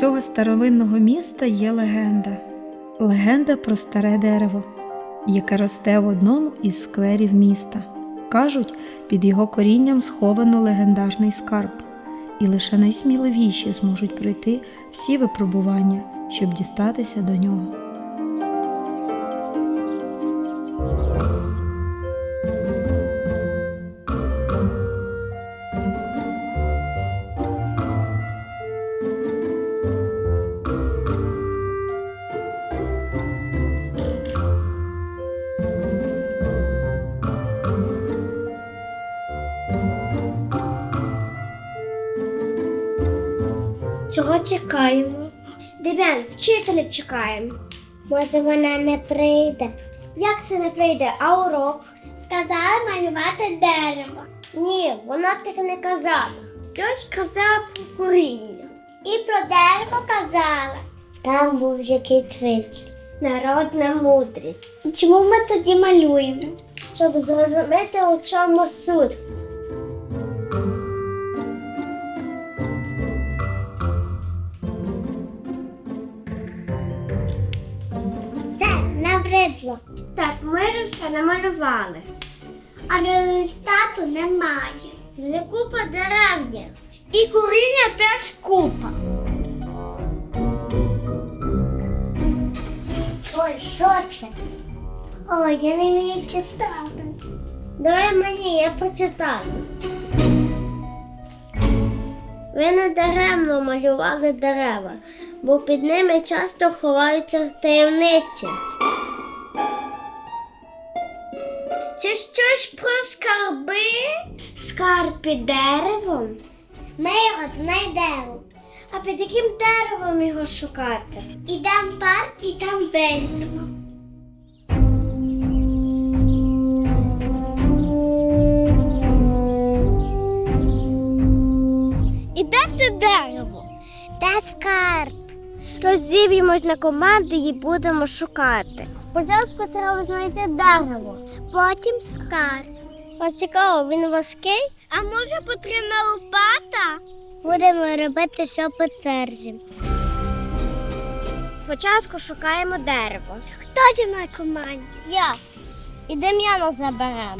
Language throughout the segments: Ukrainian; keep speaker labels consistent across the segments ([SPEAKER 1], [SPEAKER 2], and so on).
[SPEAKER 1] цього старовинного міста є легенда. Легенда про старе дерево, яке росте в одному із скверів міста. Кажуть, під його корінням сховано легендарний скарб, і лише найсміливіші зможуть пройти всі випробування, щоб дістатися до нього.
[SPEAKER 2] Чого чекаємо? Дем'ян, вчителя чекаємо. Може, вона не прийде. Як це не прийде? А урок? Сказала малювати дерево. Ні, вона так не казала. Щось казала про коріння. І про дерево казала. Там був якийсь вислів. Народна мудрість. І чому ми тоді малюємо? Щоб зрозуміти, у чому суть. Набридло. Так, ми ж все намалювали. А результату немає. Вже купа дерев. І коріння теж купа. Ой, що це? Ой, я не вмію читати. Давай мені, я почитаю. Ви не даремно малювали дерева, бо під ними часто ховаються таємниці. Це щось про скарби? Скарб під деревом? Ми його знайдемо. А під яким деревом його шукати? Ідемо в парк і там вирісимо. І де те дерево? Де скарб? Розіб'ємось на команди і будемо шукати. Спочатку треба знайти дерево, потім скарб. О, цікаво, він важкий? А може потрібна лопата? Будемо робити все по черзі. Спочатку шукаємо дерево. Хто зі мною в команді? Я. І Дем'яна заберемо.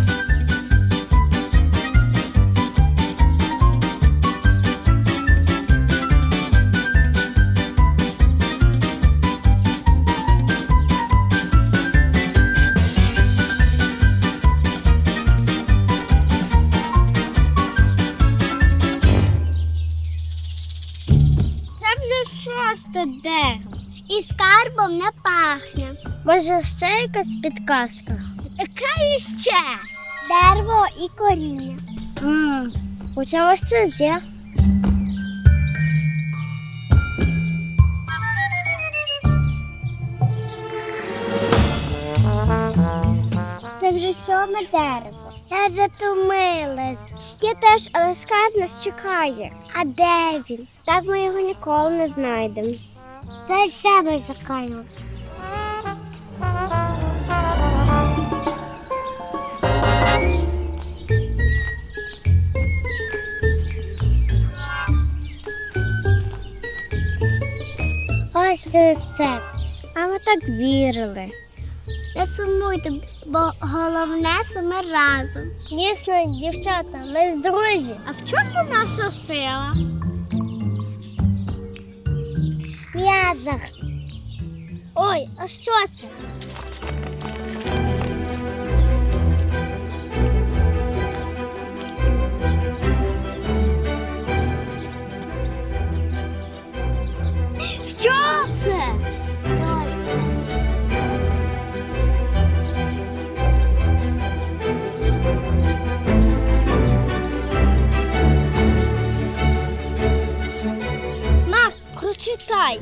[SPEAKER 2] Шосте дерево. І скарбом не пахне. Може, ще якась підказка? Яка іще? Дерево і коріння. У цьому щось є. Це вже 7-ме дерево. Я затомилась. Я теж, але скарб нас чекає. А де він? Так ми його ніколи не знайдемо. Та ще ми чекаємо. Ось це все. А ми так вірили. Не сумуйте, бо головне, що ми разом. Дійсно, дівчата, ми ж друзі. А в чому наша сила? В м'язах. Ой, а що це? Що це? Прочитай.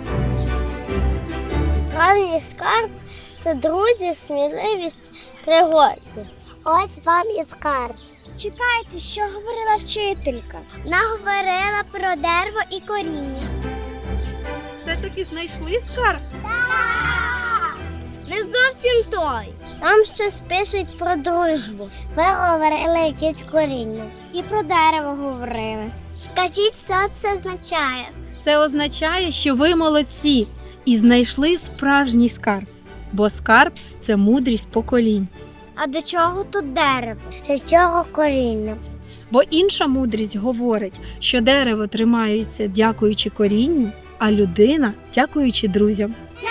[SPEAKER 2] Справжній скарб – це друзі, сміливість, пригоди. Ось вам і скарб. Чекайте, що говорила вчителька? Вона говорила про дерево і коріння.
[SPEAKER 1] Все-таки знайшли скарб?
[SPEAKER 2] Так! Не зовсім той. Там щось пишуть про дружбу. Ви говорили якесь коріння. І про дерево говорили. Скажіть, що це означає?
[SPEAKER 1] Це означає, що ви молодці і знайшли справжній скарб, бо скарб – це мудрість поколінь.
[SPEAKER 2] А до чого тут дерево? До чого коріння?
[SPEAKER 1] Бо інша мудрість говорить, що дерево тримається дякуючи корінню, а людина – дякуючи друзям.